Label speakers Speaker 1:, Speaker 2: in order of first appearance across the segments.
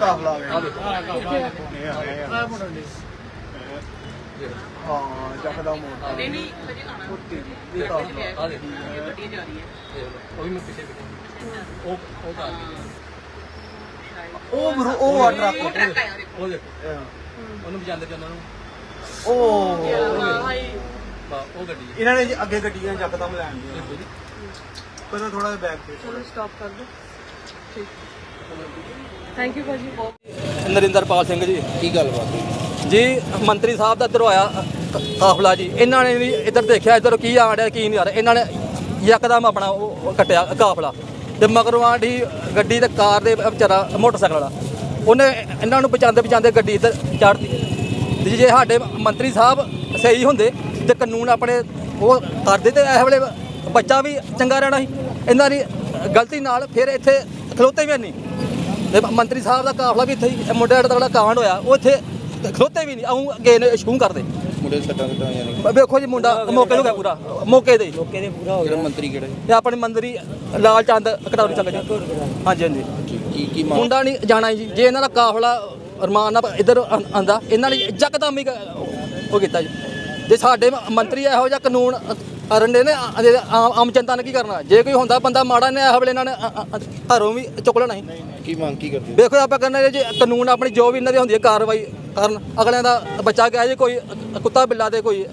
Speaker 1: ਕਾਫਲਾ ਆ ਗਿਆ ਹਾਂ ਜੱਕਦਾ ਮੋੜ
Speaker 2: ਨਹੀਂ ਨਹੀਂ ਹਜੇ ਆਣਾ
Speaker 1: ਕੁੱਤੀ
Speaker 2: ਇਹ ਕਾਫਲਾ ਆ ਦੇ ਗੱਡੀ ਜਾ ਰਹੀ ਹੈ
Speaker 3: ਉਹ ਵੀ ਮੈਂ ਪਿੱਛੇ ਉਹ ਕਰ
Speaker 1: ਉਹ ਆ ਟਰੱਕ
Speaker 2: ਉਹ ਟਰੱਕ ਆਇਆ ਦੇਖੋ
Speaker 3: ਉਹ ਦੇਖੋ ਉਹਨੂੰ ਵਜਾਉਂਦੇ ਤੇ ਉਹਨਾਂ ਨੂੰ
Speaker 1: ਉਹ
Speaker 3: ਉਹ ਗੱਡੀ
Speaker 1: ਇਹਨਾਂ ਨੇ ਅੱਗੇ ਗੱਡੀਆਂ ਜੱਕਦਮ ਲੈਣ ਦੀਆਂ ਪਹਿਲਾਂ ਥੋੜਾ ਜਿਹਾ ਬੈਕ ਤੇ
Speaker 4: ਚਲੋ ਸਟਾਪ ਕਰ ਦੋ ਠੀਕ ਥੈਂਕ ਯੂ ਭਾਜੀ
Speaker 5: ਨਰਿੰਦਰਪਾਲ ਸਿੰਘ ਜੀ।
Speaker 6: ਕੀ ਗੱਲਬਾਤ ਹੋਈ?
Speaker 5: ਜੀ ਮੰਤਰੀ ਸਾਹਿਬ ਦਾ ਇੱਧਰੋਂ ਆਇਆ ਕਾਫਲਾ ਜੀ। ਇਹਨਾਂ ਨੇ ਵੀ ਇੱਧਰ ਦੇਖਿਆ ਇੱਧਰ ਕੀ ਆ ਰਿਹਾ ਕੀ ਨਹੀਂ ਆ ਰਿਹਾ। ਇਹਨਾਂ ਨੇ ਯਕਦਮ ਆਪਣਾ ਉਹ ਕੱਟਿਆ ਕਾਫਲਾ ਤੇ ਮਗਰੋਂ ਆਂਢੀ ਗੱਡੀ ਤੇ ਕਾਰ ਦੇ ਵਿਚਾਰਾ ਮੋਟਰਸਾਈਕਲ ਵਾਲਾ ਉਹਨੇ ਇਹਨਾਂ ਨੂੰ ਬਚਾਉਂਦੇ ਗੱਡੀ ਇੱਧਰ ਚੜ੍ਹਦੀ। ਜੇ ਸਾਡੇ ਮੰਤਰੀ ਸਾਹਿਬ ਸਹੀ ਹੁੰਦੇ ਤੇ ਕਾਨੂੰਨ ਆਪਣੇ ਉਹ ਕਰਦੇ ਤੇ ਇਸ ਵੇਲੇ ਬੱਚਾ ਵੀ ਚੰਗਾ ਰਹਿਣਾ ਸੀ। ਇਹਨਾਂ ਦੀ ਗਲਤੀ ਨਾਲ ਫਿਰ ਇੱਥੇ ਖਲੋਤੇ ਵੀ ਨਹੀਂ। ਤੇ ਮੰਤਰੀ ਸਾਹਿਬ ਦਾ ਕਾਫਲਾ ਵੀ ਇੱਥੇ ਹੀ ਮੁੰਡੇ ਦਾ ਜਿਹੜਾ ਕਾਂਡ ਹੋਇਆ ਉਹ ਇੱਥੇ ਖਲੋਤੇ ਵੀ ਨਹੀਂ। ਆਉਂ ਅੱਗੇ ਨੇ ਸ਼ੂੰ ਕਰਦੇ
Speaker 6: ਮੁੰਡੇ ਦੇ ਸੱਟਾਂ ਕਿੱਦਾਂ ਆਈਆਂ ਨੇ?
Speaker 5: ਵੇਖੋ ਜੀ ਮੁੰਡਾ ਮੌਕੇ ਨੂੰ ਗਿਆ ਪੂਰਾ ਮੌਕੇ ਦੇ
Speaker 6: ਕਿਹੜਾ ਮੰਤਰੀ ਕਿਹੜਾ ਜੀ?
Speaker 5: ਤੇ ਆਪਣੇ ਮੰਤਰੀ ਲਾਲ ਚੰਦ ਕਟੌਰੀ ਚੱਲ ਜੀ। ਹਾਂਜੀ ਹਾਂਜੀ
Speaker 6: ਕੀ ਮੰਗ?
Speaker 5: ਮੁੰਡਾ ਨਹੀਂ ਜਾਣਾ ਜੀ। ਜੇ ਇਹਨਾਂ ਦਾ ਕਾਫਲਾ ਰਮਾਨ ਨਾਲ ਇੱਧਰ ਆਂਦਾ ਇਹਨਾਂ ਨੇ ਯਕਦਮ ਹੀ ਉਹ ਕੀਤਾ ਜੀ। ਜੇ ਸਾਡੇ ਮੰਤਰੀ ਇਹੋ ਜਿਹਾ ਕਾਨੂੰਨ ਰੰਡੇ ਨੇ ਆਮ ਜਨਤਾ ਨੇ ਕੀ ਕਰਨਾ? ਜੇ ਕੋਈ ਹੁੰਦਾ ਬੰਦਾ ਮਾੜਾ ਨੇ ਇਹ ਵੇਲੇ ਇਹਨਾਂ ਨੇ ਘਰੋਂ ਵੀ ਚੁੱਕ ਲੈਣਾ ਸੀ।
Speaker 6: ਕੀ ਮੰਗ ਕੀ ਕਰਦੇ?
Speaker 5: ਵੇਖੋ ਆਪਾਂ ਕਹਿੰਦੇ ਜੇ ਕਾਨੂੰਨ ਆਪਣੀ ਜੋ ਵੀ ਇਹਨਾਂ ਦੀ ਹੁੰਦੀ ਹੈ ਕਾਰਵਾਈ ਕਰਨ। ਅਗਲਿਆਂ ਦਾ ਬੱਚਾ ਗਿਆ ਜੇ ਕੋਈ ਕੁੱਤਾ ਬਿੱਲਾ ਦੇ ਕੋਈ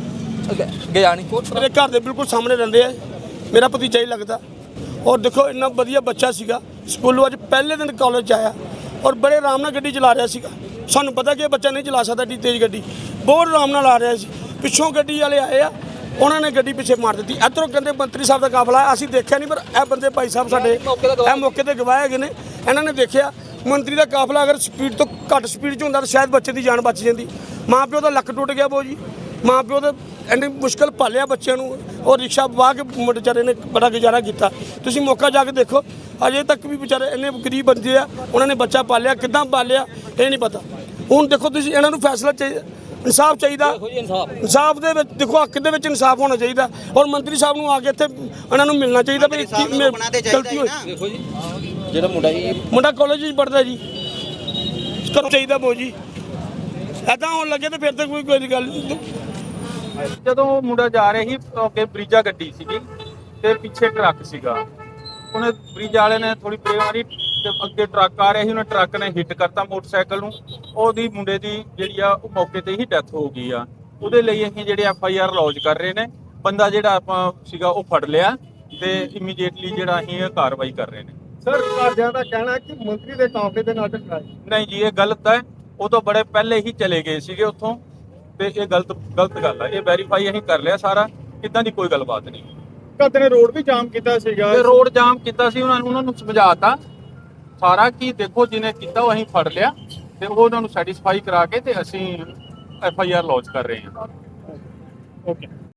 Speaker 5: ਗਿਆ ਨਹੀਂ।
Speaker 7: ਮੇਰੇ ਘਰ ਦੇ ਬਿਲਕੁਲ ਸਾਹਮਣੇ ਰਹਿੰਦੇ ਆ। ਮੇਰਾ ਭਤੀਜਾ ਹੀ ਲੱਗਦਾ। ਔਰ ਦੇਖੋ ਇੰਨਾ ਵਧੀਆ ਬੱਚਾ ਸੀਗਾ। ਸਕੂਲੋਂ ਅੱਜ ਪਹਿਲੇ ਦਿਨ ਕਾਲਜ 'ਚ ਆਇਆ ਔਰ ਬੜੇ ਆਰਾਮ ਨਾਲ ਗੱਡੀ ਚਲਾ ਰਿਹਾ ਸੀਗਾ। ਸਾਨੂੰ ਪਤਾ ਕਿ ਇਹ ਬੱਚਾ ਨਹੀਂ ਚਲਾ ਸਕਦਾ ਏਡੀ ਤੇਜ਼ ਗੱਡੀ। ਬਹੁਤ ਆਰਾਮ ਨਾਲ ਆ ਰਿਹਾ ਸੀ। ਪਿੱਛੋਂ ਗੱਡੀ ਵਾਲੇ ਆਏ ਆ ਉਹਨਾਂ ਨੇ ਗੱਡੀ ਪਿੱਛੇ ਮਾਰ ਦਿੱਤੀ। ਇੱਧਰੋਂ ਕਹਿੰਦੇ ਮੰਤਰੀ ਸਾਹਿਬ ਦਾ ਕਾਫਲਾ ਅਸੀਂ ਦੇਖਿਆ ਨਹੀਂ ਪਰ ਇਹ ਬੰਦੇ ਭਾਈ ਸਾਹਿਬ ਸਾਡੇ ਇਹ ਮੌਕੇ ਤੇ ਗਵਾਹ ਹੈਗੇ ਨੇ। ਇਹਨਾਂ ਨੇ ਦੇਖਿਆ ਮੰਤਰੀ ਦਾ ਕਾਫਲਾ ਅਗਰ ਸਪੀਡ ਤੋਂ ਘੱਟ ਸਪੀਡ 'ਚ ਹੁੰਦਾ ਤਾਂ ਸ਼ਾਇਦ ਬੱਚੇ ਦੀ ਜਾਨ ਬਚ ਜਾਂਦੀ। ਮਾਂ ਪਿਓ ਦਾ ਲੱਕ ਟੁੱਟ ਗਿਆ ਬੋ ਜੀ। ਮਾਂ ਪਿਓ ਦਾ ਇੰਨੀ ਮੁਸ਼ਕਲ ਪਾਲਿਆ ਬੱਚਿਆਂ ਨੂੰ ਔਰ ਰਿਕਸ਼ਾ ਵਾਹ ਕੇ ਵਿਚਾਰੇ ਨੇ ਬੜਾ ਗੁਜ਼ਾਰਾ ਕੀਤਾ। ਤੁਸੀਂ ਮੌਕਾ ਜਾ ਕੇ ਦੇਖੋ ਅਜੇ ਤੱਕ ਵੀ ਵਿਚਾਰੇ ਇੰਨੇ ਗਰੀਬ ਬੰਦੇ ਆ ਉਹਨਾਂ ਨੇ ਬੱਚਾ ਪਾਲਿਆ ਕਿੱਦਾਂ ਪਾਲਿਆ ਇਹ ਨਹੀਂ ਪਤਾ। ਹੁਣ ਦੇਖੋ ਤੁਸੀਂ ਇਹਨਾਂ ਨੂੰ ਫੈਸਲਾ ਚਾਹੀਦਾ ਇਨਸਾਫ ਚਾਹੀਦਾ। ਇਨਸਾਫ ਦੇ ਵਿੱਚ ਦੇਖੋ ਹੱਕ ਦੇ ਵਿੱਚ ਇਨਸਾਫ ਹੋਣਾ ਚਾਹੀਦਾ ਔਰ ਮੰਤਰੀ ਸਾਹਿਬ ਨੂੰ ਆ ਕੇ ਇੱਥੇ ਇਹਨਾਂ ਨੂੰ ਮਿਲਣਾ ਚਾਹੀਦਾ ਵੀ ਗਲਤੀ ਹੋਈ।
Speaker 6: ਜਿਹੜਾ
Speaker 7: ਮੁੰਡਾ ਕਾਲਜ ਵਿੱਚ ਪੜ੍ਹਦਾ ਜੀ ਕਰੋ ਚਾਹੀਦਾ ਬੋ ਜੀ। ਇੱਦਾਂ ਹੋਣ ਲੱਗੇ ਤੇ ਫਿਰ ਤਾਂ ਕੋਈ ਗੱਲ ਨਹੀਂ।
Speaker 8: ਜਦੋਂ ਮੁੰਡਾ ਜਾ ਰਿਹਾ ਸੀ ਅੱਗੇ ਬ੍ਰਿਜਾ ਗੱਡੀ ਸੀਗੀ ਤੇ ਪਿੱਛੇ ਟਰੱਕ ਸੀਗਾ। ਉਹਨੇ ਬ੍ਰਿਜ ਵਾਲੇ ਨੇ ਥੋੜੀ ਬ੍ਰੇਕ ਮਾਰੀ ਤੇ ਅੱਗੇ ਟਰੱਕ ਆ ਰਿਹਾ ਸੀ। ਉਹਨੇ ਟਰੱਕ ਨੇ ਹਿੱਟ ਕਰਤਾ ਮੋਟਰਸਾਈਕਲ ਨੂੰ। ਉਹਦੀ ਮੁੰਡੇ ਦੀ ਜਿਹੜੀ ਆ ਉਹ ਮੌਕੇ ਤੇ ਹੀ ਡੈਥ ਹੋ ਗਈ ਆ। ਉਹਦੇ ਲਈ ਅਸੀਂ ਜਿਹੜੇ FIR ਲੌਂਚ ਕਰ ਰਹੇ ਨੇ। ਬੰਦਾ ਜਿਹੜਾ ਆਪਾਂ ਸੀਗਾ ਉਹ ਫੜ ਲਿਆ ਤੇ ਇਮੀਡੀਏਟਲੀ ਜਿਹੜਾ ਅਸੀਂ ਇਹ ਕਾਰਵਾਈ ਕਰ ਰਹੇ ਨੇ।
Speaker 1: ਸਰ ਘਰਦਿਆਂ ਦਾ ਕਹਿਣਾ ਕਿ ਮੰਤਰੀ ਦੇ ਕਾਫਲੇ ਦੇ ਨਾਲ ਟਕਰਾਏ।
Speaker 8: ਨਹੀਂ ਜੀ ਇਹ ਗਲਤ ਹੈ। ਉਹ ਤੋਂ ਬੜੇ ਪਹਿਲੇ ਹੀ ਚਲੇ ਗਏ ਸੀਗੇ ਉੱਥੋਂ ਤੇ ਇਹ ਗਲਤ ਗੱਲ ਹੈ। ਇਹ ਵੈਰੀਫਾਈ ਅਸੀਂ ਕਰ ਲਿਆ ਸਾਰਾ। ਇਦਾਂ ਦੀ ਕੋਈ ਗੱਲਬਾਤ ਨਹੀਂ।
Speaker 1: ਘਰ ਨੇ ਰੋਡ ਵੀ ਜਾਮ ਕੀਤਾ ਸੀਗਾ।
Speaker 8: ਤੇ ਰੋਡ ਜਾਮ ਕੀਤਾ ਸੀ ਉਹਨਾਂ ਨੂੰ ਸਮਝਾਤਾ ਸਾਰਾ ਕਿ ਦੇਖੋ ਜਿਹਨੇ ਕੀਤਾ ਉਹ ਅਸੀਂ ਫੜ ਲਿਆ ਤੇ ਉਹਨਾਂ ਨੂੰ ਸੈਟੀਸਫਾਈ ਕਰਾ ਕੇ ਤੇ ਅਸੀਂ FIR ਲੌਂਚ ਕਰ ਰਹੇ ਹਾਂ।
Speaker 1: ਓਕੇ।